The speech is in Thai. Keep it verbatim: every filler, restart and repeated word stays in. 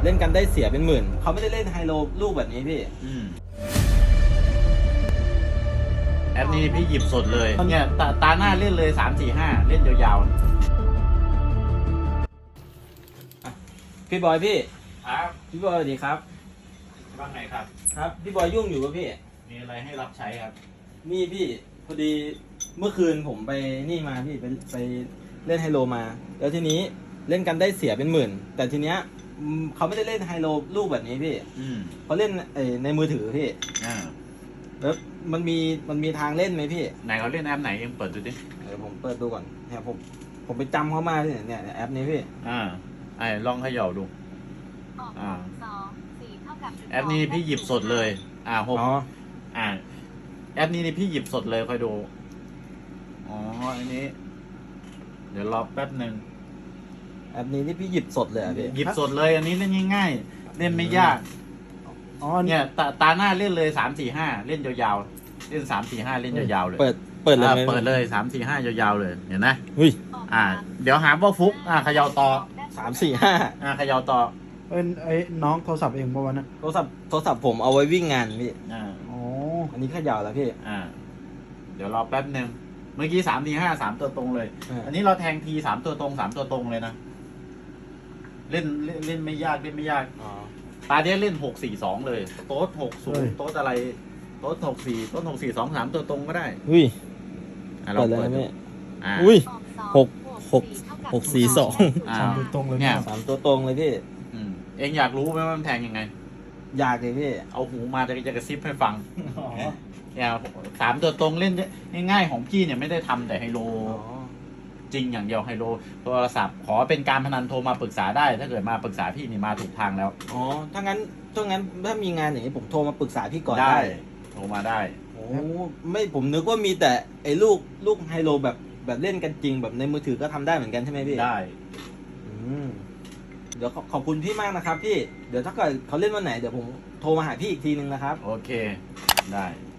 เล่นกันได้เสียเป็นหมื่นเขาไม่ได้เล่นไฮโลลูกแบบนี้พี่อืมแอปนี้พี่หยิบสดเลยเนี่ยตาตาหน้าเล่นเลยสามสี่ห้าเล่นยาวๆพี่บอยพี่ครับพี่บอยสวัสดีครับว่าไงครับครับพี่บอยยุ่งอยู่ป่ะพี่มีอะไรให้รับใช้ครับนี่พี่พอดีเมื่อคืนผมไปนี่มาพี่ไปไปเล่นไฮโลมาแล้วทีนี้เล่นกันได้เสียเป็นหมื่นแต่ทีเนี้ยเขาไม่ได้เล่นไฮโลลูกแบบนี้พี่อืมเขาเล่นในมือถือพี่อ่าแล้วมันมีมันมีทางเล่นไหมพี่ไหนเขาเล่นแอปไหนเองเปิดดูดิเดี๋ยวผมเปิดดูก่อนเนี่ยผมผมไปจำเขามาเนี่ยเนี่ยแอปนี้พี่อ่าไอ้ลองเขย่าดูอ่าแอปนี้พี่หยิบสดเลยอ่าหกอ่าแอปนี้นี่พี่หยิบสดเลยคอยดูอ๋ออันนี้เดี๋ยวรอแป๊บหนึ่งแอปนี้ที่พี่หยิบสดเลยอ่ะพี่หยิบสดเลยอันนี้เล่นง่ายๆเล่นไม่ยากอ๋อเนี่ยตาตาหน้าเล่นเลยสามสี่ห้าเล่นยาวๆเล่นสามสี่ห้าเล่นยาวๆเลยเปิดเปิดเลยเปิดเลยสามสี่ห้ายาวๆเลยเห็นไหมหุ้ยอ่าเดี๋ยวหาว่าฟุกอ่าเขย่าต่อสามสี่ห้าอ่าเขย่าต่อเป็นไอ้น้องโทรศัพท์เองป่ะวะนะโทรศัพท์โทรศัพท์ผมเอาไว้วิ่งงานพี่อ่าอ๋ออันนี้ขยาวแล้วพี่อ่าเดี๋ยวรอแป๊บหนึ่งเมื่อกี้สามทีห้าสามตัวตรงเลยอันนี้เราแทงทีสามตัวตรงสามตัวตรงเลยนะเล่นเล่นเล่นไม่ยากเล่นไม่ยากตาเนี้ยเล่นหกสี่สองเลยโต๊ดหกศูนย์โต๊ดอะไรโต๊ดหกสี่โต๊ดหกสี่สองสามตัวตรงก็ได้อุ้ยอ่าเราเปิดดูอ่าอุ้ยหกหกหกสี่สองสามตัวตรงเลยเนี่ยสามตัวตรงเลยพี่เอ็งอยากรู้ไหมว่ามันแทงยังไงอยากเลยพี่เอาหูมาจะจะกระซิบให้ฟังเนี่ยสามตัวตรงเล่นง่ายๆของพี่เนี่ยไม่ได้ทำแต่ไฮโลจริงอย่างเดียวไฮโลโทรศัพท์ขอเป็นการพนันโทรมาปรึกษาได้ถ้าเกิดมาปรึกษาพี่นี่มาถูกทางแล้วอ๋อถ้างั้นถ้างั้นถ้ามีงานอย่างนี้ผมโทรมาปรึกษาพี่ก่อนได้โทรมาได้โอ้ไม่ผมนึกว่ามีแต่ไอ้ลูกลูกไฮโลแบบแบบเล่นกันจริงแบบในมือถือก็ทำได้เหมือนกันใช่ไหมพี่ได้เดี๋ยวขอบคุณพี่มากนะครับพี่เดี๋ยวถ้าเกิดเขาเล่นวันไหนเดี๋ยวผมโทรมาหาพี่อีกทีนึงนะครับโอเคได้